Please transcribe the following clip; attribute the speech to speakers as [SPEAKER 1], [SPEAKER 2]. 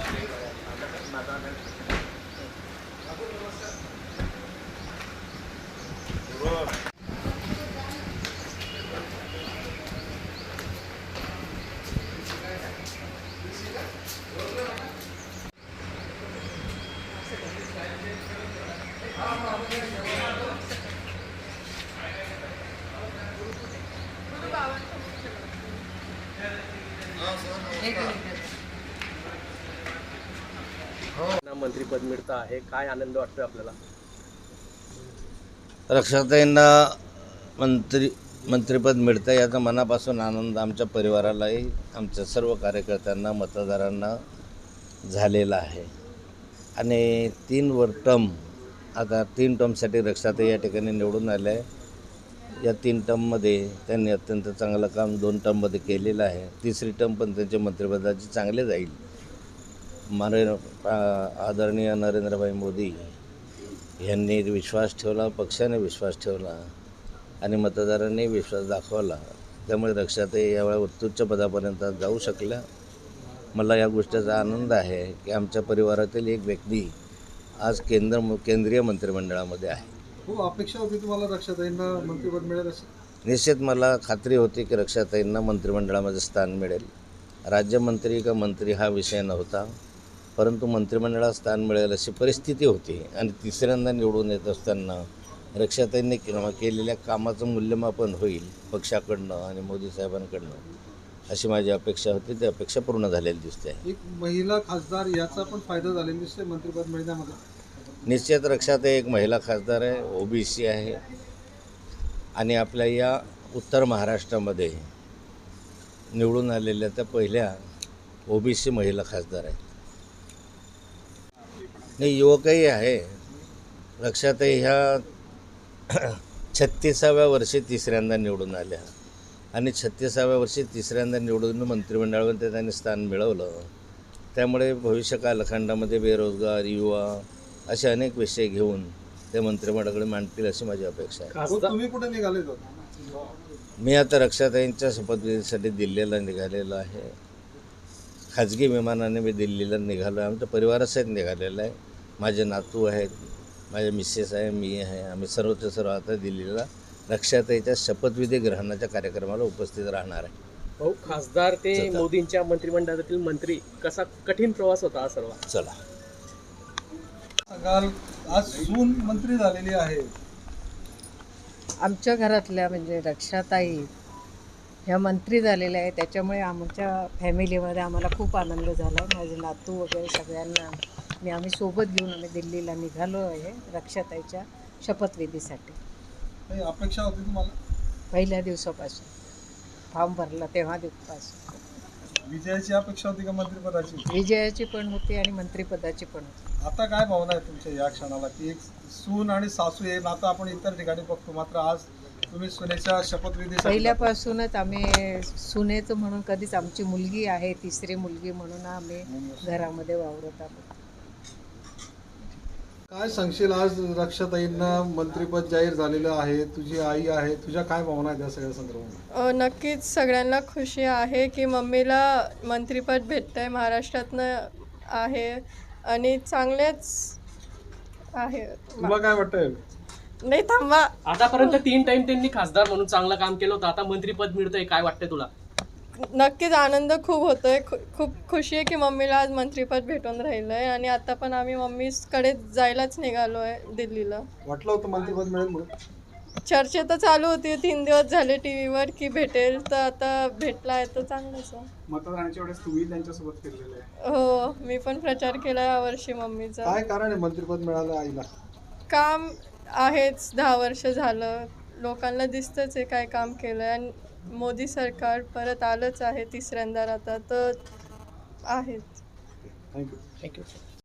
[SPEAKER 1] मंत्रीपद मिळतं आहे, काय आनंद वाटतोय आपल्याला?
[SPEAKER 2] रक्षाताईंना मंत्रिपद मिळतं याचा मनापासून आनंद आमच्या परिवारालाही, आमच्या सर्व कार्यकर्त्यांना, मतदारांना झालेला आहे. आणि 3 टर्मसाठी रक्षाताई या ठिकाणी निवडून आल्या आहे. या 3 टर्ममध्ये त्यांनी अत्यंत चांगलं काम 2 टर्ममध्ये केलेलं आहे. 3री टर्म पण त्यांच्या मंत्रिपदाची चांगले जाईल. आदरणीय नरेंद्रभाई मोदी यांनी विश्वास ठेवला, पक्षाने विश्वास ठेवला आणि मतदारांनी विश्वास दाखवला. त्यामुळे रक्षाताई यावेळी उत्तुच्च पदापर्यंत जाऊ शकल्या. मला या गोष्टीचा आनंद आहे की आमच्या परिवारातील एक व्यक्ती आज केंद्रीय मंत्रिमंडळामध्ये आहे.
[SPEAKER 3] खूप अपेक्षा होती तुम्हाला रक्षाताईंना मंत्रिपद मिळेल अशी?
[SPEAKER 2] निश्चित मला खात्री होती की रक्षाताईंना मंत्रिमंडळामध्ये स्थान मिळेल. राज्यमंत्री का मंत्री हा विषय नव्हता, परंतु मंत्रिमंडळात स्थान मिळेल अशी परिस्थिती होती. आणि 3ऱ्यांदा निवडून येत असताना रक्षाताईंनी केलेल्या कामाचं मूल्यमापन होईल पक्षाकडनं आणि मोदी साहेबांकडनं अशी माझी अपेक्षा होती. ती अपेक्षा पूर्ण झालेली दिसते.
[SPEAKER 3] एक महिला खासदार याचा पण फायदा झालेला दिसते मंत्रिपद मिळण्यामध्ये.
[SPEAKER 2] निश्चित रक्षाताई एक महिला खासदार आहे, OBC आहे आणि आपल्या या उत्तर महाराष्ट्रामध्ये निवडून आलेल्या त्या पहिल्या OBC महिला खासदार आहेत. नाही, युवकही आहे. रक्षाताई ह्या 36व्या वर्षी 3ऱ्यांदा निवडून आल्या आणि 36व्या वर्षी 3ऱ्यांदा निवडून मंत्रिमंडळामध्ये त्यांनी स्थान मिळवलं. त्यामुळे भविष्य कालखंडामध्ये बेरोजगार, युवा असे अनेक विषय घेऊन ते मंत्रिमंडळाकडे मांडतील अशी माझी अपेक्षा आहे.
[SPEAKER 3] तुम्ही कुठे निघाले?
[SPEAKER 2] मी आता रक्षाताईंच्या शपथविधीसाठी दिल्लीला निघालेलो आहे. खाजगी विमानाने मी दिल्लीला निघालो आहे. आमच्या परिवारासहित निघालेलं आहे. माझे नातू आहेत, माझे मिसेस आहे, मी आहे. आम्ही सर्वच्या सर्व आता दिल्लीला रक्षाताईच्या शपथविधी ग्रहणाच्या कार्यक्रमाला उपस्थित राहणार आहे.
[SPEAKER 1] भाऊ, खासदार ते मोदींच्या मंत्रिमंडळातील मंत्री, कसा कठीण प्रवास होता हा सर्व?
[SPEAKER 2] चला,
[SPEAKER 3] आज सून मंत्री झालेली आहे.
[SPEAKER 4] आमच्या घरातल्या म्हणजे रक्षाताई ह्या मंत्री झालेल्या आहे, त्याच्यामुळे आमच्या फॅमिलीमध्ये आम्हाला खूप आनंद झाला. माझे नातू वगैरे सगळ्यांना आम्ही सोबत घेऊन आम्ही दिल्लीला निघालो आहे रक्षाताईच्या शपथविधीसाठी.
[SPEAKER 3] काही अपेक्षा होती तुम्हाला?
[SPEAKER 4] पहिल्या दिवसापासून फॉर्म भरला तेव्हा दिवसापासून.
[SPEAKER 3] विजयाची अपेक्षा होती का मंत्रिपदाची?
[SPEAKER 4] विजयाची पण होती आणि मंत्रिपदाची पण होती.
[SPEAKER 3] आता काय भावना आहे तुमच्या या क्षणाला की एक सून आणि सासू हे नातं आपण इतर ठिकाणी बघतो, मात्र आज तुम्ही सुनेच्या शपथविधी?
[SPEAKER 4] पहिल्यापासूनच आम्ही सुनेचं म्हणून कधीच, आमची मुलगी आहे 3री मुलगी म्हणून आम्ही घरामध्ये वावरत आहोत.
[SPEAKER 3] काय सांगशील, आज रक्षाताईंना मंत्रिपद जाहीर झालेलं आहे, तुझी आई आहे, तुझ्या काय भावना आहेत या सगळ्या संदर्भात?
[SPEAKER 5] नक्कीच सगळ्यांना खुशी आहे की मम्मीला मंत्रिपद भेटतंय, महाराष्ट्रातनं आहे आणि चांगलेच आहे.
[SPEAKER 3] तुला काय वाटतंय?
[SPEAKER 5] नाही थांबा,
[SPEAKER 1] आतापर्यंत 3 टाइम त्यांनी खासदार म्हणून चांगलं काम केलं होतं, आता मंत्रिपद मिळतंय, काय वाटतंय तुला?
[SPEAKER 5] नक्कीच आनंद खूप होतोय. खूप खुशी आहे की मम्मीला आज मंत्रिपद भेटून राहिलंय आणि आता पण आम्ही मम्मीकडे जायलाच निघालो आहे दिल्लीला.
[SPEAKER 3] वाटलं होतं मंत्रिपद मिळेल म्हणून?
[SPEAKER 5] चर्चा तर चालू होती 3 दिवस झाले टीव्हीवर की भेटेल, तर आता भेटला आहे तर चांगलंच आहे.
[SPEAKER 3] मतदानाच्या वेळेस तुम्ही त्यांच्यासोबत फिरलेले आहे?
[SPEAKER 5] हो, मी पण प्रचार केला यावर्षी मम्मीचा.
[SPEAKER 3] काय कारण आहे मंत्रिपद मिळालं आईला? काम
[SPEAKER 5] आहेच, 10 वर्ष झालं, लोकांना दिसतंच आहे काय काम केलं आणि मोदी सरकार परत आलंच आहे 3ऱ्यांदा आता तर आहेच.
[SPEAKER 3] थँक्यू.
[SPEAKER 1] थँक्यू.